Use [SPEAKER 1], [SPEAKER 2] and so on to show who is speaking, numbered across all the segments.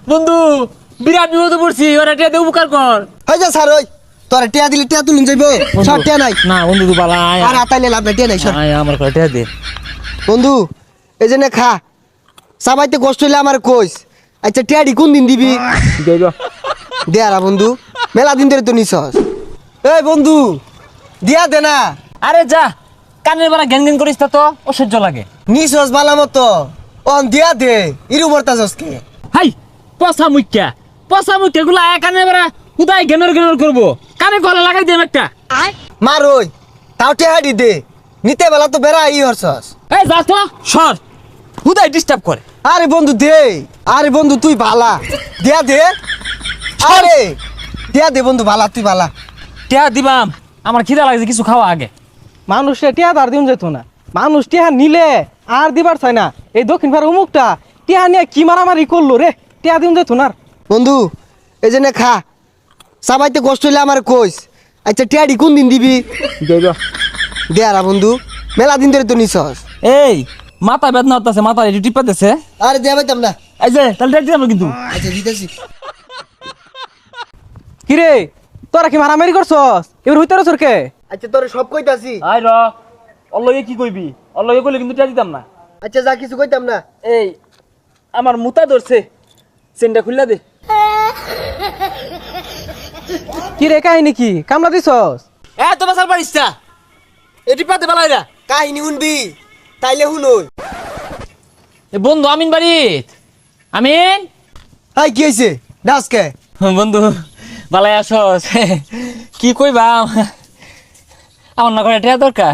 [SPEAKER 1] বন্ধু বিরাট বিপদে পড়ছি, ওরা টিয়া দিয়ে উপকার কর।
[SPEAKER 2] হয়ে যা স্যার, ওই তোরা টিয়া দিলে টিয়া তুলুন যাইবো, সব টিয়া নাই।
[SPEAKER 1] না বন্ধু তুই বালা আয়
[SPEAKER 2] আর আতাইলে লাভ নাই, টিয়া নাই সর।
[SPEAKER 1] আয় আমার করে টিয়া দে।
[SPEAKER 2] বন্ধু এই যে নে খা, সবাইতে কষ্ট হইলে আমার কইস। আচ্ছা টিয়াডি কোন দিন দিবি? দে আরা বন্ধু, মেলা দিন ধরে তো নিছস। এই বন্ধু দিয়া দে না।
[SPEAKER 1] আরে যা, কানের বাড়া ঘ্যান ঘ্যান করিস তা তো অসহ্য লাগে।
[SPEAKER 2] নিছস বালা মতো, অন দিয়া দে, ইরু বর্তাছস কে?
[SPEAKER 1] হাই পচা মুখ্যা গুলা কানের বাড়া উদাই ঘ্যানর ঘ্যানর করবো, কানে গলা লাগাই দেব একটা।
[SPEAKER 2] মার ওই, তাও টিয়াডি দে, নিতে বেলা তো বেড়া ই হরছস।
[SPEAKER 1] এই যা তো সর, উদাই ডিস্টার্ব করে।
[SPEAKER 2] আরে বন্ধু দে, আরে বন্ধু তুই ভালা, দিয়া দে। আরে দিয়া দে বন্ধু, ভালা তুই ভালা।
[SPEAKER 1] টিয়া দিবাম, আমার খিদা লাগছে, কিছু খাওয়া আগে।
[SPEAKER 3] মানুষে টিয়া আর দিন যেত না, মানুষ টিয়া নিলে আর দিবার চাই না। এই দক্ষিণ ভারত অমুকটা টিয়া নিয়ে কি মারামারি করলো রে, টিয়া দিন যেত না।
[SPEAKER 2] বন্ধু এই যে নে খা, সবাইতে কষ্ট হইলে আমার কইস। আচ্ছা টিয়াডি কোন দিন দিবি? দে আরা বন্ধু, মেলা দিন ধরে তো নিছস।
[SPEAKER 1] এই মাথা বেদনা হচ্ছে, মাথা একটু টিপা দিছে।
[SPEAKER 2] আরে দেয়া পাইতাম না।
[SPEAKER 1] এই যে তাহলে টিয়া দিলাম কিন্তু।
[SPEAKER 2] আচ্ছা দিতেছি।
[SPEAKER 3] কিরে তোরা কি মারামারি করছস? এবার হইতে রসর কে?
[SPEAKER 2] আচ্ছা তোরে সব কইতাছি।
[SPEAKER 1] আই র অল্লগে কি কইবি, অল্লগে কইলে কিন্তু টিয়া দিতাম না।
[SPEAKER 2] আচ্ছা যা কিছু কইতাম না।
[SPEAKER 1] এই আমার মুতা ধরছে, চেনটা খুললা দে।
[SPEAKER 3] কিরে কাহিনী কি কামলা দিছস?
[SPEAKER 1] এ তো বাসার পারিস না, এটি পাতে বালাইরা।
[SPEAKER 2] কাহিনী শুনবি তাইলে শুনই।
[SPEAKER 1] এ বন্ধু আমিন বাড়িত। আমিন
[SPEAKER 2] হাই কি হইছে ডাসকে?
[SPEAKER 1] বন্ধু বালাই আসস, কি কইবা আমার না করে টিয়া দরকার।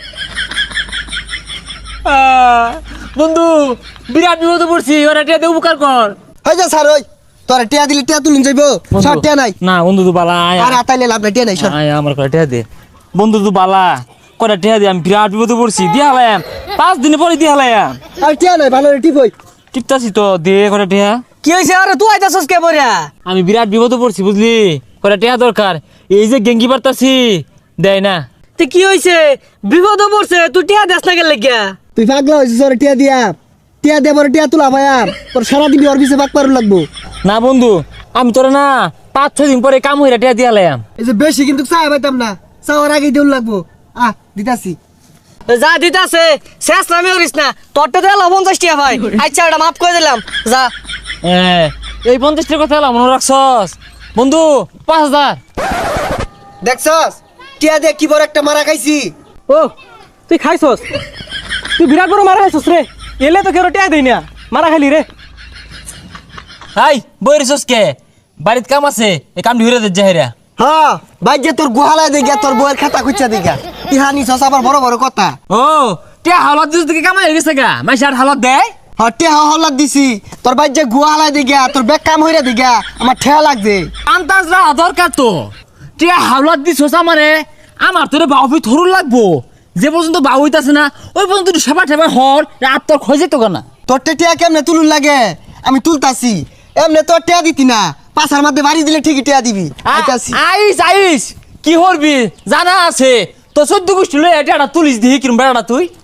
[SPEAKER 1] বন্ধু বিরাট বিপদে পড়ছি, ওরা টিয়া দিয়ে উপকার কর।
[SPEAKER 2] হই যা স্যার, ওই তোরা টিয়া দিলে টিয়া তুলুন যাইবো, সব টিয়া নাই।
[SPEAKER 1] না বন্ধু তুই বালা আয়
[SPEAKER 2] আর আতাইলে লাভ নাই, টিয়া নাই সর।
[SPEAKER 1] আয় আমার করে টিয়া দে। বন্ধু তুই বালা করে টিয়া দে, আমি বিরাট বিপদে পড়ছি, দিয়ে হালাম 5 দিন পরে দিয়ে হালাম।
[SPEAKER 2] আর টিয়া নাই, ভালো টিপ হই।
[SPEAKER 1] টিপতাছি তো, দিয়ে করে টিয়া।
[SPEAKER 3] কি হইছে? আরে তুই আইতাছস কে বড়া?
[SPEAKER 1] আমি বিরাট বিপদে পড়ছি বুঝলি, করে টিয়া দরকার। এই যে গেঙ্গি পারতাছি দেয় না।
[SPEAKER 3] তে কি হইছে? বিপদ পড়ছে, তুই টিয়া দেস না গেলে গিয়া?
[SPEAKER 2] তুই পাগলা হইছিস? ওরে টিয়া দিয়া, টিয়া দে বড় টিয়া তুলা ভাইয়া, তোর সারাদিন ওর পিছে পাক পারু লাগবো।
[SPEAKER 1] না বন্ধু আমি তোরা না 5-6 দিন পরে কাম হইরা টিয়া দিয়ে হালাম।
[SPEAKER 2] এই যে বেশি কিন্তু চাই পাইতাম না, চাওয়ার আগে দেউল লাগবো। দিতাছি।
[SPEAKER 3] যা দিতাছে শেষ নামে করিস না, তোরটা দিলাম 50 টিয়া ভাই। আচ্ছা এটা মাফ করে দিলাম, যা।
[SPEAKER 1] এই 50 টাকা কথা মনে রাখছস বন্ধু? 5000
[SPEAKER 2] দেখছস টিয়া দে কি বড় একটা মারা খাইছি।
[SPEAKER 3] ও তুই খাইছস? তুই বিরাট বড় মারা খাইছস রে। এলে তো কেউ টিয়া দেই না, মারা খাইলি রে।
[SPEAKER 1] হাই বইরিছস কে? বাড়িত কাম আছে, এই কামটি হইরা দে জাহেরা।
[SPEAKER 2] হ্যাঁ ভাই যে তোর গোহালায় দেখা, তোর বউয়ের খাতা খুঁজা দেখা, ইহানি সস আবার বড় বড় কথা।
[SPEAKER 1] ও টিয়া হালত দিস থেকে কামাই হয়ে গেছে গা, মাইছে আর হালত দেয়।
[SPEAKER 2] টেহা হল্লার দিছি, তোর ভাই যে গোহালায় দেখা, তোর বেগ কাম হইরা দেখা, আমার ঠেয়া লাগছে।
[SPEAKER 1] আন্তাজ রা দরকার তো, টিয়া হালত দিছস আমারে, আমার তোরে বাউফি থরুর লাগবো। যে পর্যন্ত বাউ হইতাছে না ওই পর্যন্ত তুই সেবা ঠেবা হর, রাত তোর খোঁজে তো না।
[SPEAKER 2] তোর টিয়া কেমনে তুলুন লাগে? আমি তুলতাছি, এমনে তোর টিয়া দিতি না, পাশার মধ্যে বাড়ি দিলে ঠিকই টিয়া দিবি। আইতাছি।
[SPEAKER 1] আইস কি হরবি জানা আছে তো, 14 গোষ্ঠী লয়ে এটা তুলিস দিহি কিরম বেড়াটা তুই।